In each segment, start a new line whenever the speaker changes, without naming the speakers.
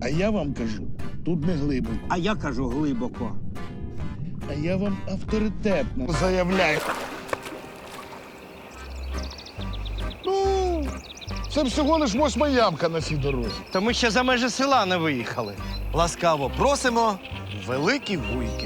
А я вам кажу, тут не глибоко.
А я кажу глибоко.
А я вам авторитетно заявляю. Ну, це всього лиш 8-ма ямка на цій дорозі.
Та ми ще за межі села не виїхали.
Ласкаво просимо в Великі Вуйки.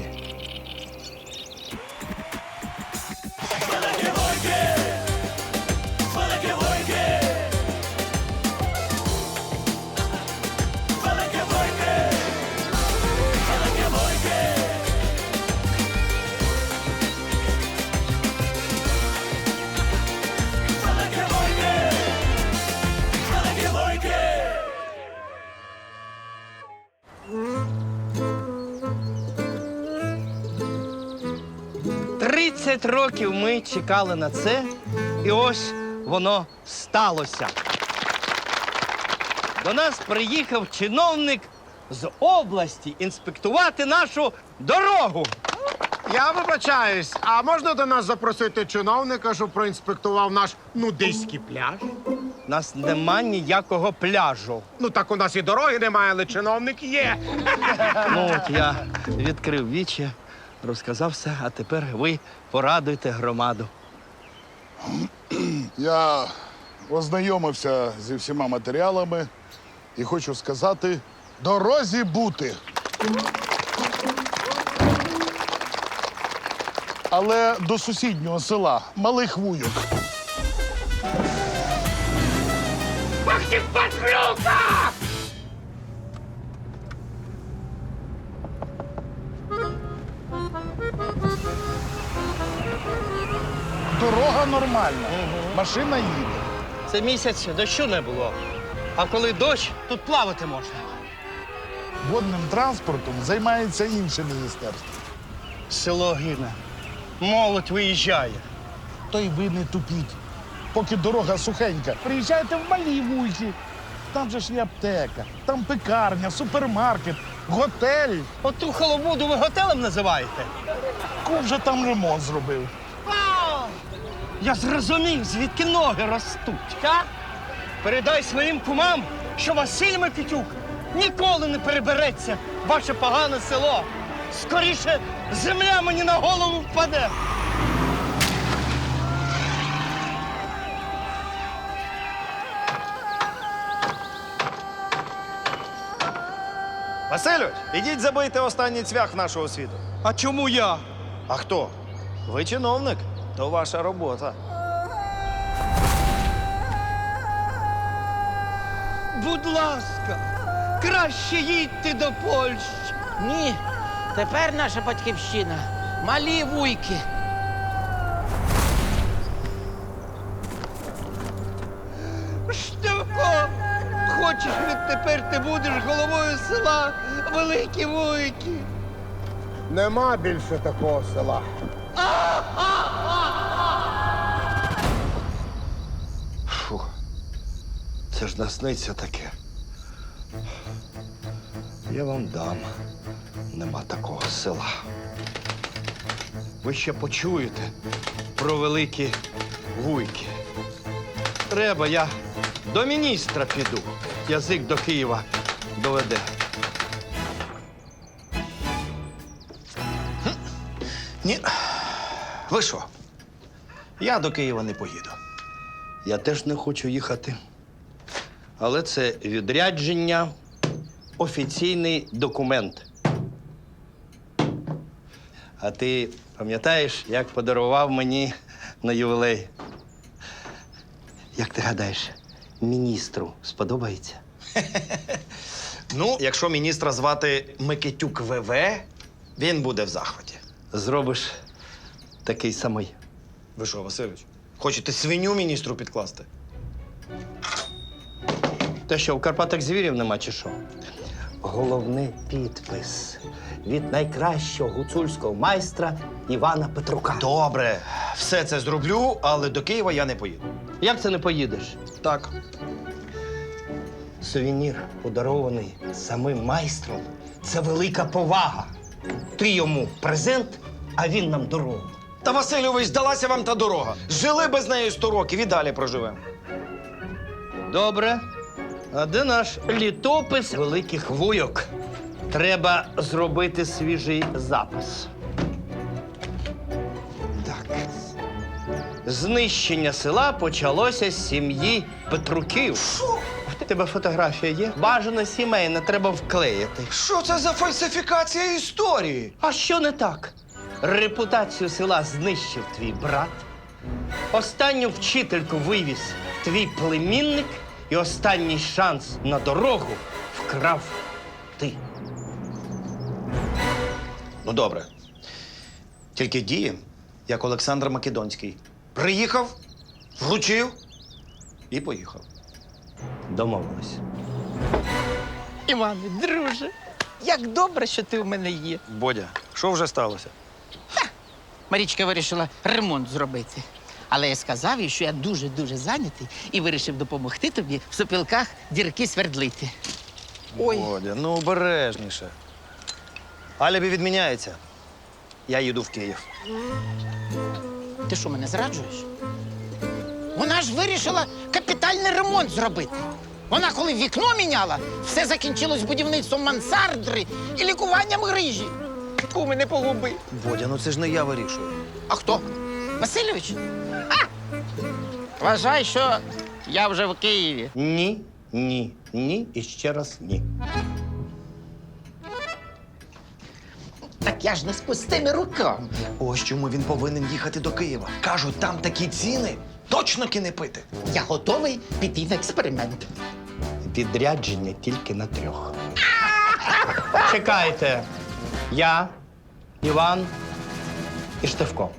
Тридцять років ми чекали на це, і ось воно сталося. До нас приїхав чиновник з області інспектувати нашу дорогу.
Я вибачаюсь, а можна до нас запросити чиновника, щоб проінспектував наш нудиський пляж?
У нас нема ніякого пляжу.
Ну так у нас і дороги немає, але чиновник є.
Ну от я відкрив вічі, розказав все, а тепер ви порадуйте громаду.
Я ознайомився зі всіма матеріалами і хочу сказати, дорозі бути. Але до сусіднього села, Малих Вуйок. Дорога нормальна, машина їде.
Це місяць дощу не було. А коли дощ, тут плавати можна.
Водним транспортом займається інше міністерство.
Село гине. Молодь виїжджає.
То й ви не тупіть. Поки дорога сухенька, приїжджайте в Малі Вуйки. Там же ж є аптека, там пекарня, супермаркет, готель.
Оту халабуду ви готелем називаєте?
Кум вже там ремонт зробив.
Я зрозумів, звідки ноги ростуть, а? Передай своїм кумам, що Василь Микитюк ніколи не перебереться в ваше погане село. Скоріше земля мені на голову впаде.
Васильович, ідіть забийте останній цвях нашого світу.
А чому я?
А хто? Ви чиновник, то ваша робота.
Будь ласка, краще їдьте до Польщі.
Ні, тепер наша батьківщина Малі Вуйки.
Штивко, хочеш відтепер ти будеш головою села Великі Вуйки.
Нема більше такого села.
Фух, це ж насниться таке. Я вам дам. Нема такого села. Ви ще почуєте про Великі Вуйки. Треба, я до міністра піду. Язик до Києва доведе.
Ні. Ви що? Я до Києва не поїду.
Я теж не хочу їхати. Але це відрядження, офіційний документ. А ти пам'ятаєш, як подарував мені на ювілей? Як ти гадаєш, міністру сподобається?
Ну, якщо міністра звати Микитюк ВВ, він буде в захваті.
Зробиш такий самий.
Ви що, Васильович, хочете свиню міністру підкласти?
Те, що в Карпатах звірів нема, чи що? Головний підпис від найкращого гуцульського майстра Івана Петрука.
Добре, все це зроблю, але до Києва я не поїду.
Як це не поїдеш?
Так.
Сувенір, подарований самим майстром, це велика повага. Ти йому презент, а він нам дорогу.
Та, Васильович, здалася вам та дорога. Жили без неї 100 років і далі проживемо.
Добре. А де наш літопис великих вуйок? Треба зробити свіжий запис. Так. Знищення села почалося з сім'ї Петруків. Що? У тебе фотографія є? Бажано сімейна, треба вклеїти.
Що це за фальсифікація історії?
А що не так? Репутацію села знищив твій брат, останню вчительку вивіз твій племінник і останній шанс на дорогу вкрав ти.
Ну, добре. Тільки діє, як Олександр Македонський. Приїхав, вручив і поїхав.
Домовились.
Іване, друже, як добре, що ти у мене є.
Бодя, що вже сталося?
Марічка вирішила ремонт зробити. Але я сказав їй, що я дуже-дуже зайнятий і вирішив допомогти тобі в сопілках дірки свердлити. Ой.
Бодя, ну обережніше. Алібі відміняється. Я їду в Київ.
Ти що, мене зраджуєш? Вона ж вирішила капітальний ремонт зробити. Вона, коли вікно міняла, все закінчилось будівництвом мансардри і лікуванням грижі. Куми, не погуби.
Бодя, ну це ж не я вирішую.
А хто? Васильович? А! Вважай, що я вже в Києві.
Ні, ні, ні і ще раз ні.
Так я ж не з пустими руками.
Ось чому він повинен їхати до Києва. Кажуть, там такі ціни, точно кіни пити.
Я готовий піти в експеримент.
Відрядження тільки на 3. Чекайте. Я, Іван і Штефко.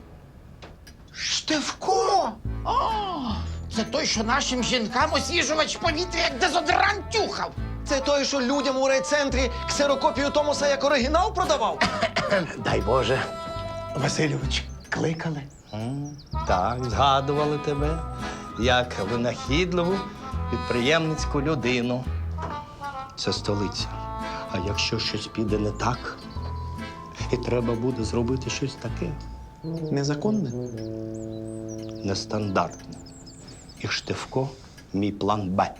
Штефко! О, це той, що нашим жінкам освіжувач повітря, як дезодорант тюхав.
Це той, що людям у райцентрі ксерокопію Томоса як оригінал продавав?
Дай Боже. Васильович, кликали.
Так, згадували тебе як винахідливу підприємницьку людину. Це столиця. А якщо щось піде не так, і треба буде зробити щось таке незаконне, нестандартне. І Штефко – мій план Б.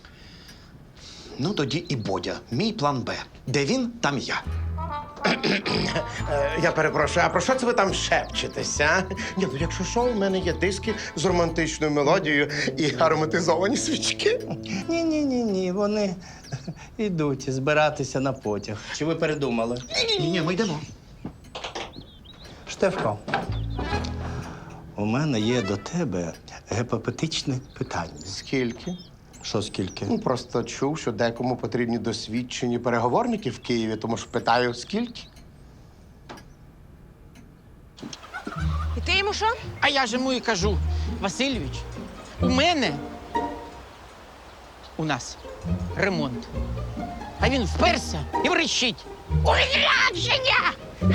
Ну тоді і Бодя, мій план Б. Де він, там я.
Я перепрошую, а про що це ви там шепчетеся? Ні, ну якщо що, у мене є диски з романтичною мелодією і ароматизовані свічки.
Ні, вони йдуть збиратися на потяг. Чи ви передумали?
Ні, ми йдемо.
Штефко, у мене є до тебе гіпотетичне питання.
Скільки?
Що скільки?
Ну, просто чув, що декому потрібні досвідчені переговорники в Києві, тому ж питаю, скільки?
І ти йому що?
А я ж йому і кажу, Васильович, у нас ремонт. А він вперся і врищить. Відрядження!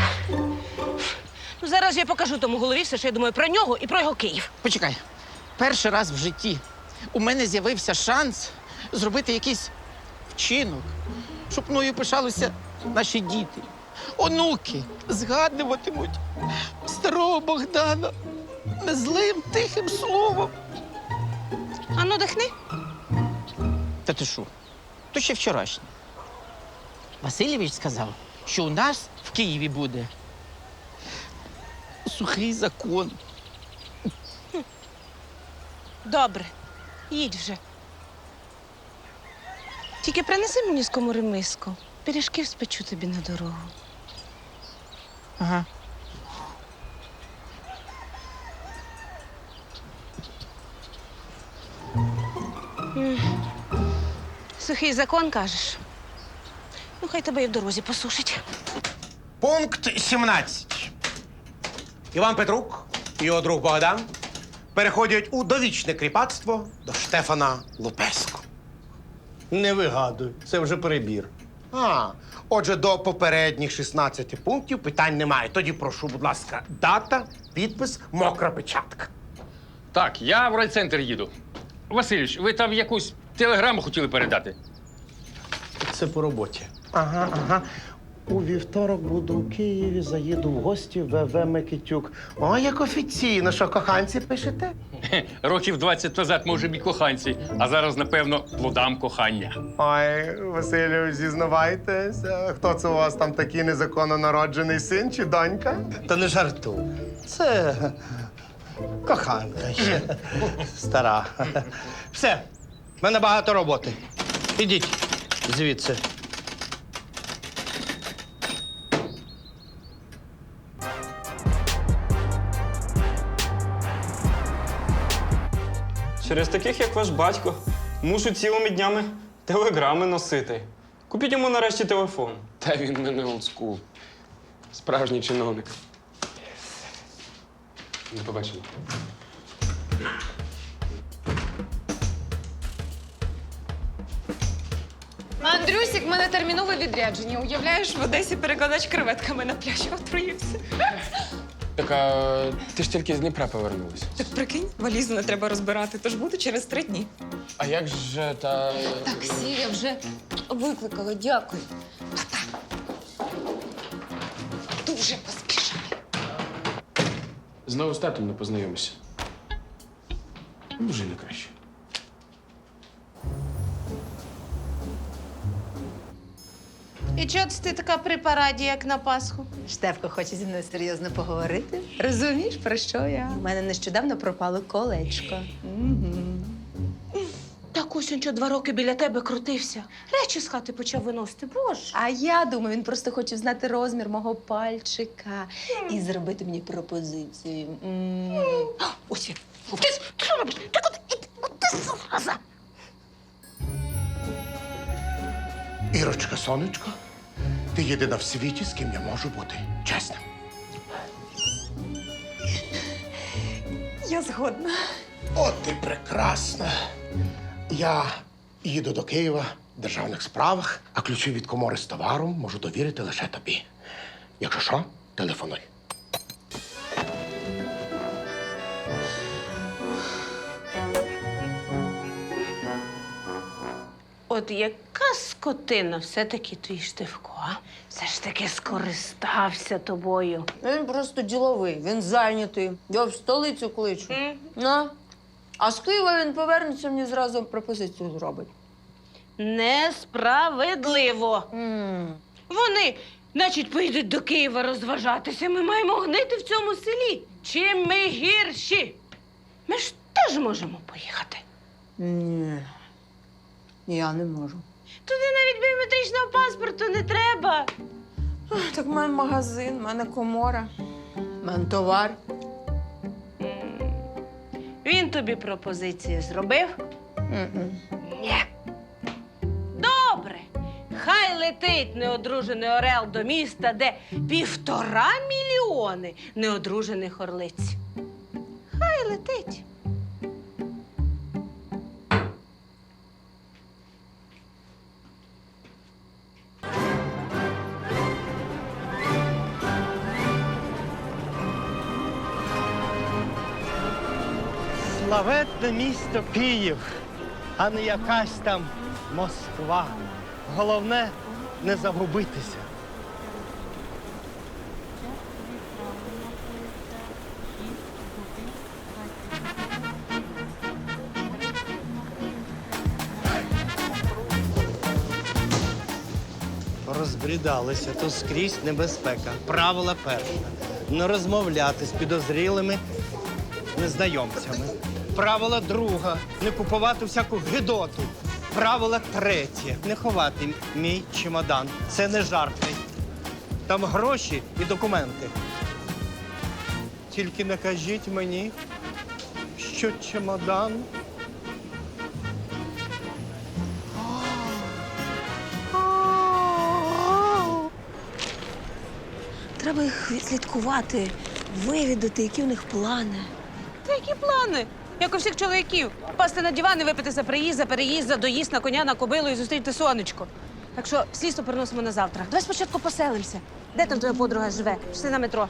Ну зараз я покажу тому голові все, що я думаю про нього і про його Київ.
Почекай, перший раз в житті у мене з'явився шанс зробити якийсь вчинок, щоб мною пишалися наші діти. Онуки згадуватимуть старого Богдана незлим тихим словом.
Ану, дихни.
Та ти що? То ще вчорашнє. Васильович сказав, що у нас в Києві буде сухий закон.
Добре, їдь вже. Тільки принеси мені з комори миску. Пиріжків спечу тобі на дорогу.
Ага.
Сухий закон, кажеш? Ну, хай тебе і в дорозі посушить.
Пункт 17. Іван Петрук і його друг Богдан переходять у довічне кріпацтво до Штефана Лупеску.
Не вигадуй, це вже перебір.
Отже, до попередніх 16 пунктів питань немає. Тоді прошу, будь ласка, дата, підпис, мокра печатка.
Так, я в райцентр їду. Васильович, ви там якусь телеграму хотіли передати?
Це по роботі.
Ага. У вівторок буду у Києві, заїду в гості в ВВ Микитюк. О, як офіційно, що коханці пишете?
Років 20 назад ми вже б і коханці, а зараз, напевно, плодам кохання.
Ой, Василю, зізнавайтесь, хто це у вас там такий незаконно народжений син чи донька?
Та не жартуй. Це коханка ще стара. Все, в мене багато роботи. Ідіть звідси.
Через таких, як ваш батько, мушу цілими днями телеграми носити. Купіть йому нарешті телефон.
Та він мене олдскул. Справжній чиновник. До побачення.
Андрюсік, в мене термінове відрядження. Уявляєш, в Одесі перекладач креветками на пляжі отруївся.
Так, а ти ж тільки з Дніпра повернулася.
Так прикинь, валізу не треба розбирати, тож буду через 3 дні.
А як же та.
Таксі я вже викликала, дякую. Па-па. Дуже поспішаю.
Знову з татом не познайомишся. Може, не краще.
І чого ти така при параді, як на Пасху?
Штефко хоче зі мною серйозно поговорити.
Розумієш, про що я?
У мене нещодавно пропало колечко.
Так ось він що 2 роки біля тебе крутився. Речі з хати почав виносити. Боже.
А я думаю, він просто хоче знати розмір мого пальчика і зробити мені пропозицію.
Ось він. Ти що робиш? Ти куди? Ти зараза!
Ірочка, сонечко, ти єдина в світі, з ким я можу бути чесним.
Я згодна.
От ти прекрасна. Я їду до Києва в державних справах, а ключі від комори з товаром можу довірити лише тобі. Якщо що, телефонуй.
От яка скотина все-таки твій Штивко, а? Все ж таки скористався тобою.
Він просто діловий, він зайнятий. Я в столицю кличу. А з Києва він повернеться, мені зразу пропозицію зробить.
Несправедливо. Вони, значить, поїдуть до Києва розважатися. Ми маємо гнити в цьому селі. Чим ми гірші? Ми ж теж можемо поїхати.
Ні, я не можу.
Туди навіть біометричного паспорту не треба.
Так в мене магазин, в мене комора, в мене товар.
Він тобі пропозиції зробив?
М-м.
Ні. Добре. Хай летить неодружений орел до міста, де 1,5 мільйони неодружених орлиць. Хай летить.
Славетне місто Київ, а не якась там Москва. Головне не загубитися. Розбрідалися, то скрізь небезпека. Правило перше. Не розмовляти з підозрілими незнайомцями. Правило друге. Не купувати всяку гидоту. Правило третє. Не ховати мій чемодан. Це не жарти. Там гроші і документи. Тільки не кажіть мені, що чемодан.
Треба їх відслідкувати, вивідати, які у них плани. Та які плани? Як у всіх чоловіків. Пасти на диван і випити за приїзд, за переїзд, за доїзд на коня, на кобилу і зустріти сонечко. Так що слідство переносимо на завтра. Давай спочатку поселимося. Де там твоя подруга живе? Пішли на метро.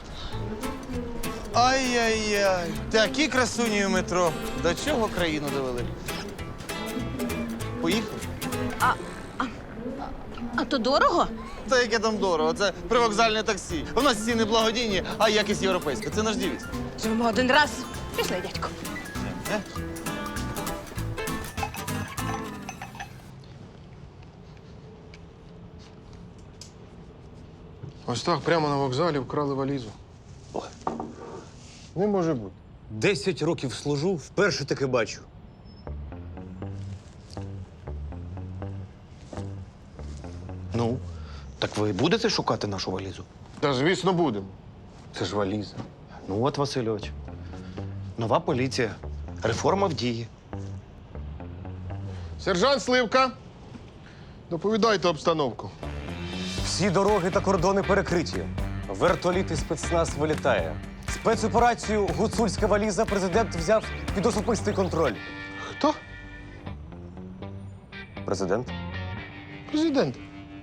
Ай-яй-яй, такі красуні у метро. До чого країну довели? Поїхали?
А то дорого?
Та яке там дорого, це привокзальне таксі. У нас ціни благодійні, а якість європейська. Це наш дівіз.
Живемо один раз. Пішли, дядько.
Ось так, прямо на вокзалі вкрали валізу. Не може бути.
10 років служу, вперше таке бачу.
Ну, так ви будете шукати нашу валізу?
Та звісно будемо. Це ж валіза.
Ну от, Васильович. Нова поліція. Реформа в дії.
Сержант Сливка, доповідайте обстановку.
Всі дороги та кордони перекриті. Вертоліт і спецназ вилітає. Спецоперацію «Гуцульська валіза» президент взяв під особистий контроль.
Хто?
Президент?
Президент.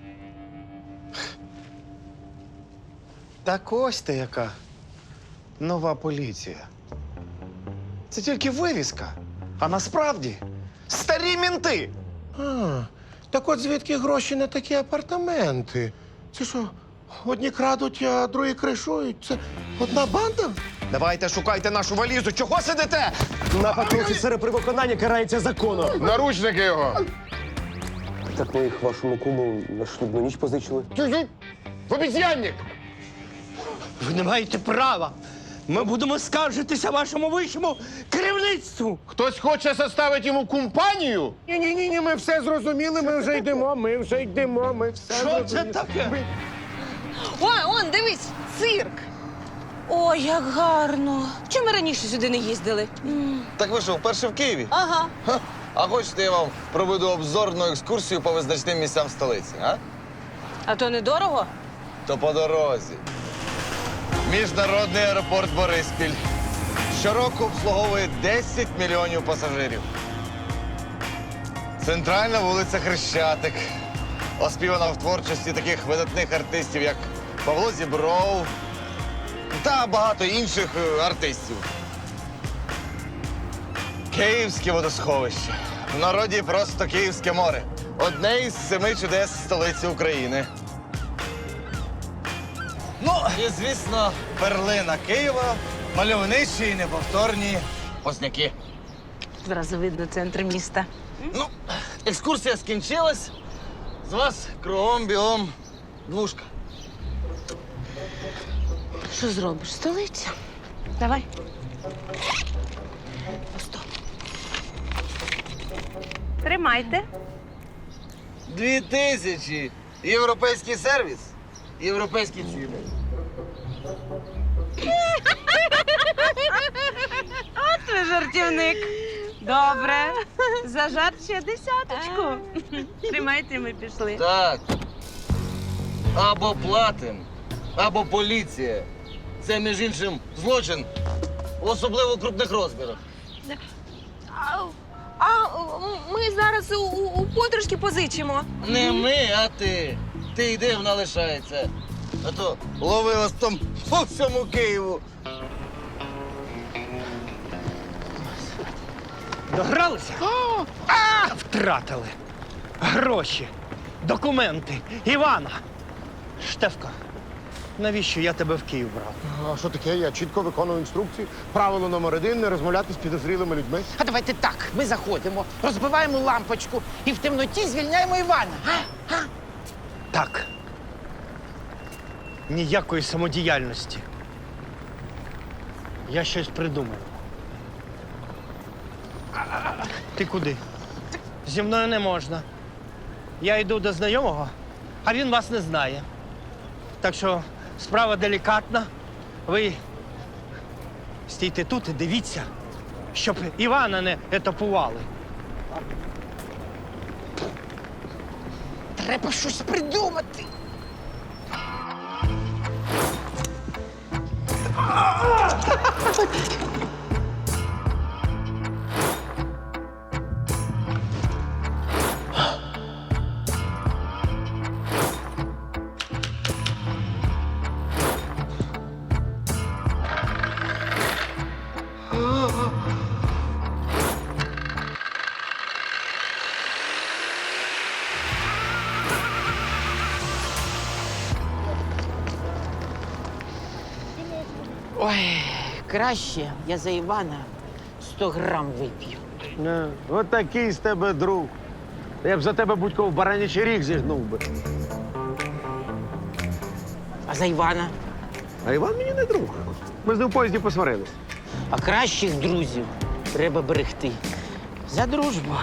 Так ось ти яка нова поліція. Це тільки вивіска. А насправді старі мінти.
А, так от звідки гроші на такі апартаменти? Це що, одні крадуть, а другі кришують? Це одна банда?
Давайте шукайте нашу валізу. Чого сидите?
Напад на офіцера при виконанні карається законом.
Наручники його!
Так ми їх вашому куму на шлюбну ніч позичили.
Обіцянник!
Ви не маєте права. Ми будемо скаржитися вашому вищому керівництву.
Хтось хоче составити йому компанію?
Ні, ми все зрозуміли, ми вже йдемо, ми все
Що це таке?
Ой, он, дивись, цирк. Ой, як гарно. Чому ми раніше сюди не їздили?
Так ви що, вперше в Києві?
Ага.
Ха. А хочете, я вам проведу обзорну екскурсію по визначним місцям столиці, а?
А то недорого?
То по дорозі. Міжнародний аеропорт Бориспіль. Щороку обслуговує 10 мільйонів пасажирів. Центральна вулиця Хрещатик. Оспівана в творчості таких видатних артистів, як Павло Зібров та багато інших артистів. Київське водосховище. В народі просто Київське море. Одне із 7 чудес столиці України. Ну, і, звісно, перлина Києва, мальовничі і неповторні Позняки.
Зразу видно центр міста.
Ну, екскурсія скінчилась. З вас кругом бігом двушка.
Що зробиш? Столиця. Давай. Просто. Тримайте.
2000. Європейський сервіс. Європейські ціни.
От ви жартівник. Добре. За жарт ще 10. Тримайте, ми пішли.
Так. Або платим, або поліція. Це, між іншим, злочин в особливо крупних розмірах.
Ми зараз у подружки позичимо.
Не ми, а ти. Ти йди, вона лишається. А то лови вас там по всьому Києву.
Догралися? Втратили. Гроші, документи, Івана. Штефко, навіщо я тебе в Київ брав?
А що таке? Я чітко виконую інструкції. Правило номер 1 – не розмовляти з підозрілими людьми.
А давайте так, ми заходимо, розбиваємо лампочку і в темноті звільняємо Івана.
Так. Ніякої самодіяльності. Я щось придумав. Ти куди? Зі мною не можна. Я йду до знайомого, а він вас не знає. Так що справа делікатна. Ви стійте тут і дивіться, щоб Івана не етапували.
Треба щось придумати. Ой, краще я за Івана 100 грам вип'ю.
От такий з тебе друг. Я б за тебе будь-кого в баранячий ріг зігнув би.
А за Івана?
А Іван мені не друг. Ми з ним в поїзді посварились.
А кращих друзів треба берегти. За дружбу.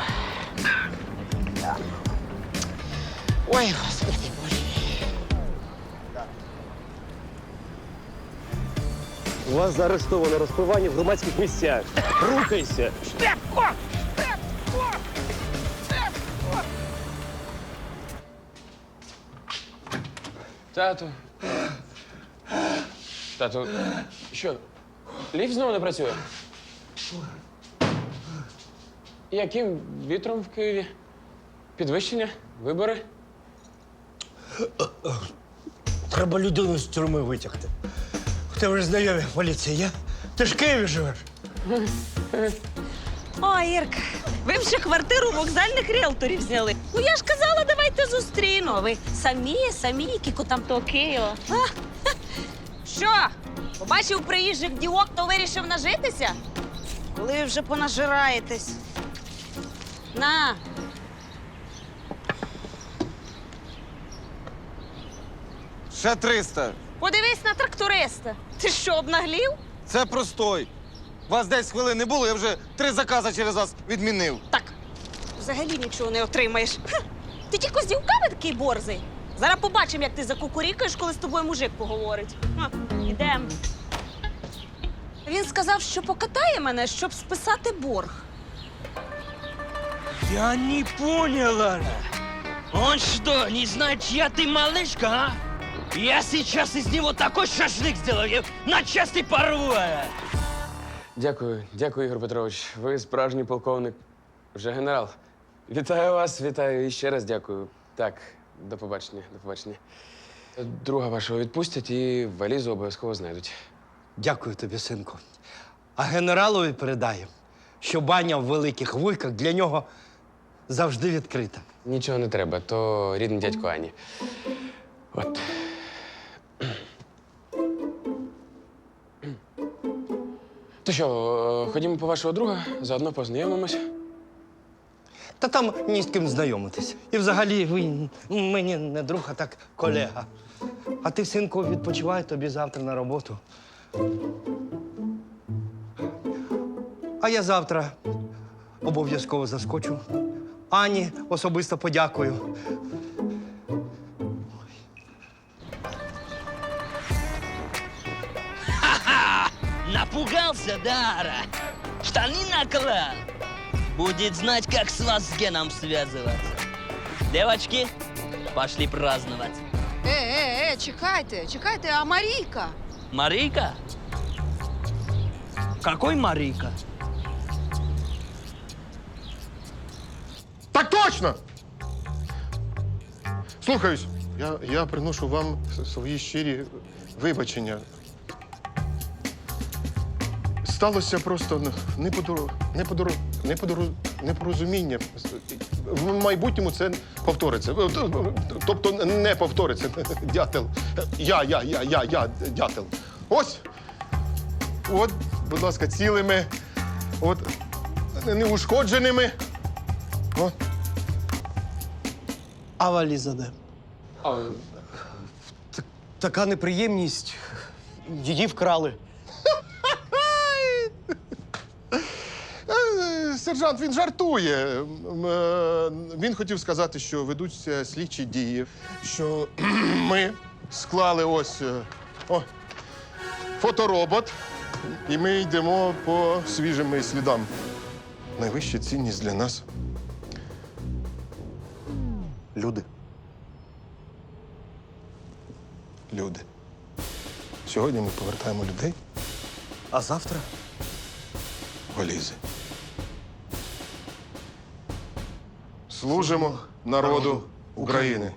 Ой, Господи Боже.
Вас заарештовано розпивання в громадських місцях. Рухайся!
Тату. Тату, що? Ліфт знову не працює? Яким вітром в Києві? Підвищення? Вибори?
Треба людину з тюрми витягти. У тебе ж знайомі в поліції є? Ти ж в Києві живеш.
О, Ірка, ви б ще квартиру вокзальних ріелторів зняли. Ну я ж казала, давайте зустріну. А ви самі, кіку там то Києва. А? Ха. Що? Побачив приїжджих дівок, то вирішив нажитися? Коли ви вже понажираєтесь? На.
Ще 300.
Подивись на тракториста. Ти що, обнаглів?
Це простой. Вас 10 хвилин не було, я вже 3 закази через вас відмінив.
Так, взагалі нічого не отримаєш. Ха. Ти тільки з дівками такий борзий. Зараз побачимо, як ти закукурікаєш, коли з тобою мужик поговорить. Ідем. Він сказав, що покатає мене, щоб списати борг.
Я не поняла. Он что, не знает, чья ты малышка, а? Я сейчас из него такой шашлык сделаю, на части порву.
Дякую, Ігор Петрович. Ви справжній полковник. Вже генерал. Вітаю вас, вітаю і ще раз дякую. Так, до побачення, до побачення. Друга вашого відпустять і валізу обов'язково знайдуть.
Дякую тобі, синку. А генералові передаю, що баня в Великих Вуйках для нього завжди відкрита.
Нічого не треба, то рідний дядько Ані. От. То що, ходімо по вашого друга, заодно познайомимось.
Та там ні з ким знайомитись. І взагалі він мені не друг, а так колега. А ти, синку, відпочивай, тобі завтра на роботу. А я завтра обов'язково заскочу. Ані особисто подякую.
Напугался, Дара? Штаны наклал? Будет знать, как с вас с Геном связываться. Девочки, пошли праздновать.
Чекайте, а Марійка?
Марийка? Какой Марийка?
Так точно! Слухаюсь, я приношу вам свої щирі вибачення. Сталося просто непорозуміння. В майбутньому це повториться. Тобто не повториться. Дятел. Я дятел. Ось. От, будь ласка, цілими. От, неушкодженими. От.
А валіза де? Така неприємність. Її вкрали.
Сержант, він жартує. Він хотів сказати, що ведуться слідчі дії, що ми склали ось фоторобот, і ми йдемо по свіжим слідам. Найвища цінність для нас – люди. Люди. Сьогодні ми повертаємо людей,
А завтра?
валізи. Служимо народу України.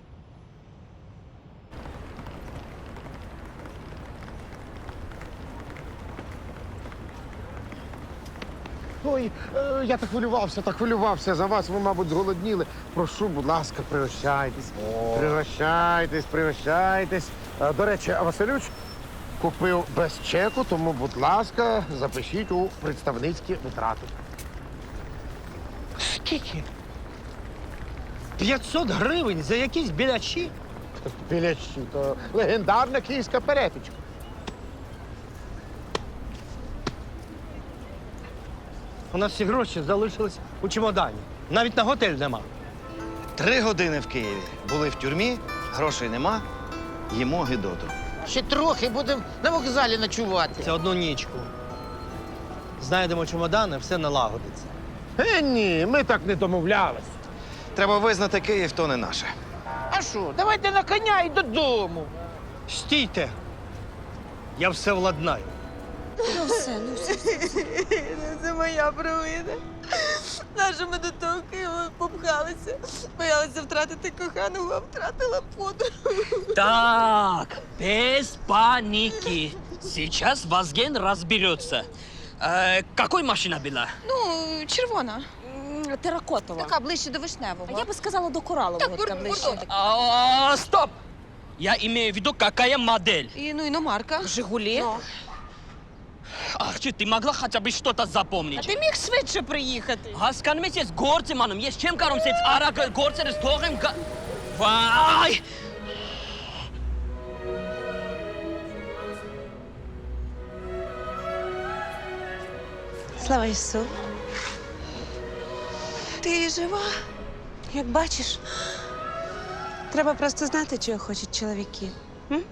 Ой, я так хвилювався за вас. Ви, мабуть, зголодніли. Прошу, будь ласка, пригощайтесь. Пригощайтесь. До речі, а Василюч, Купив без чеку, тому, будь ласка, запишіть у представницькі витрати.
Скільки? 500 гривень за якісь білячі?
Білячі, то легендарна київська перепічка.
У нас всі гроші залишились у чемодані. Навіть на готель нема.
3 години в Києві. Були в тюрмі, грошей нема, їмо гидоту.
Ще трохи будемо на вокзалі ночувати.
Це одну нічку. Знайдемо чемодани, все налагодиться.
Ні, ми так не домовлялись.
Треба визнати, Київ то не наше.
А що, давайте на коня і додому.
Стійте! Я все владнаю.
Ну все.
Це моя провина. Нащо ми до того Києва попхалися? Боялися втратити коханого, а втратила подругу.
Так, без паники. Сейчас Вазген разберется. Какой машина была?
Ну, червона.
Теракотова.
Така ближче до вишневого.
Я би сказала до коралового, така ближче.
Стоп! Я имею в виду, какая модель.
Ну, іномарка.
Жигулі.
Ах, ты могла хотя бы что-то
А
запомнить?
ти міг швидше приїхати?
Haskan mes jetzt gorze manum, yes chem karum sets ara gorze des torem ga... Vay!
Слава Ісу.
Ти жива?
Як бачиш, треба просто знати, чого хочуть чоловіки. М?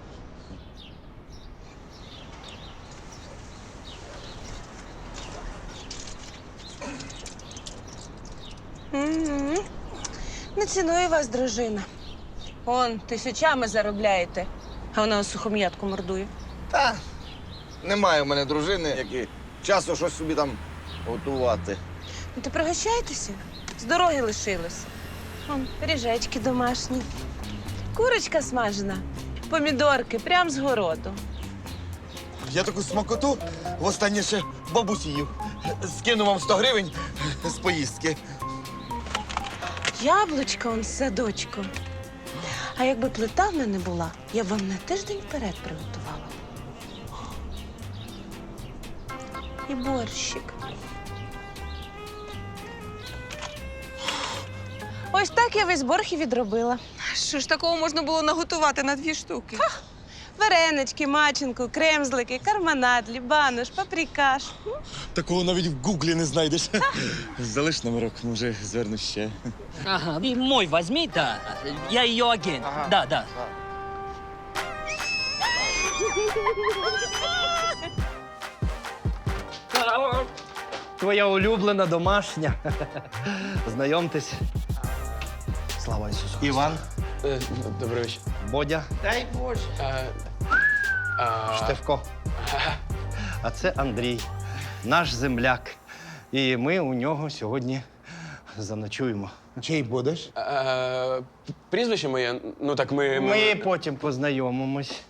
Мгм. Не цінує вас дружина. Он тисячами заробляєте, а вона сухом'ятку мордує.
Та немає в мене дружини, як і часу щось собі там готувати.
Ну, то пригощайтеся. З дороги лишилось. Вон, пиріжечки домашні, курочка смажена, помідорки прям з городу.
Я таку смакоту востаннє ще бабусі їв. Скину вам 100 гривень з поїздки.
Яблучка он з садочку. А якби плита в мене була, я б вам на тиждень вперед приготувала. І борщик. Ось так я весь борг і відробила.
Що ж такого можна було наготувати на 2 штуки?
Варенички, маченку, кремзлики, карманад, лібануш, паприкаш.
Такого навіть в гуглі не знайдеш. Залиш номерок, може, зверну ще.
Ага, и мой возьми, да. Я ее агент. Да, да.
Твоя улюблена домашня. Знайомтесь. Слава Ісусу.
Іван.
Добрий вечір.
Бодя.
Дай Боже.
Штефко. А це Андрій, наш земляк. І ми у нього сьогодні заночуємо.
Чий будеш?
Прізвище моє, ну так
Ми потім познайомимось.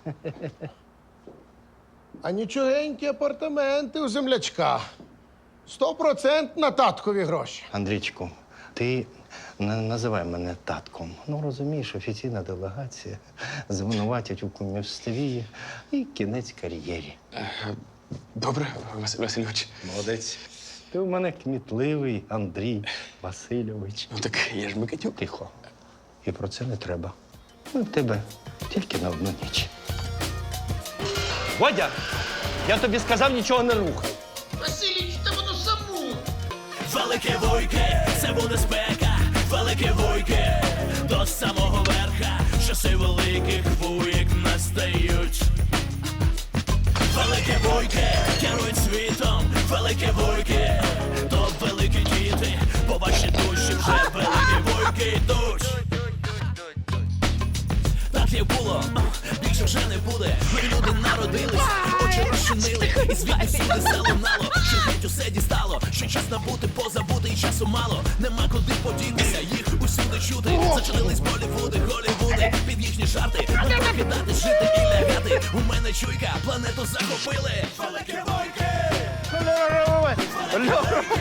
А нічогенькі апартаменти у землячка. 100% на таткові гроші.
Андрійчику, ти не називай мене татком. Ну, розумієш, офіційна делегація звинуватять у кумівстві і кінець кар'єрі.
Добре, Василь Васильович.
Молодець. Ти у мене кмітливий Андрій Васильович.
Ну так я ж Микитюк.
Тихо. І про це не треба. Ми в тебе тільки на одну ніч. Водя, я тобі сказав, нічого не рухай.
Василіч, та воно само.
Велике вуйки, це буде спека. Велике вуйки, до самого верха. Часи великих вуйк настають. Велике вуйки, керують світом. Велике вуйки, то великі діти. По вашій душі вже великі вуйки йдуть. Так як було, більше вже не буде. Ми люди народились, очі розчинили. І звідти всюди залунало, що геть усе дістало. Що час набути, позабути і часу мало. Нема куди подітися, їх усюди чути. Зачинились Болівуди, Голівуди, під їхні жарти. Не прокидати, жити і лягати. У мене чуйка, планету захопили. Великі войки!